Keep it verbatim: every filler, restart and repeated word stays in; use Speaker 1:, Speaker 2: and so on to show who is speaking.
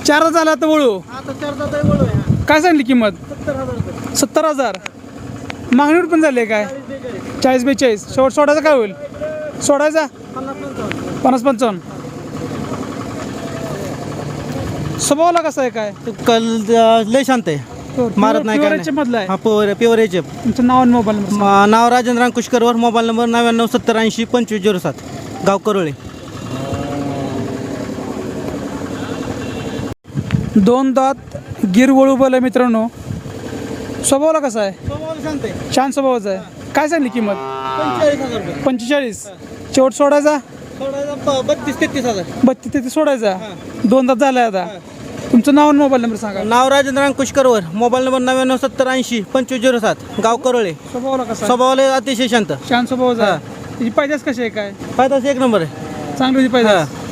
Speaker 1: चार झाला आता वळू
Speaker 2: आता चार दात आहे वळू आहे.
Speaker 1: काय सांगली किंमत
Speaker 2: सत्तर हजार रुपये.
Speaker 1: सत्तर हजार मागणीवर पण झाली आहे काय चाळीस बेचाळीस शेवट सोडायचा काय होईल सोडायचा
Speaker 2: पन्नास पंचावन्न.
Speaker 1: पन्नास पंचावन्न स्वभावाला कसं आहे काय
Speaker 3: कल लय शांत आहे मारत नाही काय
Speaker 1: मधला आहे
Speaker 3: हा प्युअर प्युअर एच एफ
Speaker 1: तुमचं नाव आणि मोबाईल नंबर
Speaker 3: नाव राजेंद्र अंकुशकरवर मोबाईल नंबर नव्याण्णव सत्तर ऐंशी पंचवीस झिरो सात गाव करोळे.
Speaker 1: दोन दात गिर वळू बोल आहे मित्रांनो स्वभावाला कसा आहे
Speaker 3: शांत आहे
Speaker 1: छान स्वभावाचा आहे काय सांगली किंमत
Speaker 3: पंचेचाळीस हजार रुपये
Speaker 1: पंचेचाळीस शेवट सोडायचा
Speaker 3: सोडायचा बत्तीस तेहतीस हजार.
Speaker 1: बत्तीस तेहतीस सोडायचा दोन दात झालाय आता तुमचं नाव आणि मोबाईल नंबर सांगा
Speaker 3: नाव राजेंद्र अंकुशकरवर मोबाईल नंबर नव्याण्णव सत्तर ऐंशी पंचवीस झिरो सात गाव करोळे.
Speaker 1: स्वभावाला कसा आहे?
Speaker 3: स्वभावाला अतिशय शांत
Speaker 1: छान स्वभावाचा आहे त्याची पैदास कशी आहे काय
Speaker 3: फायदाच एक नंबर आहे
Speaker 1: चांगली होती पैदास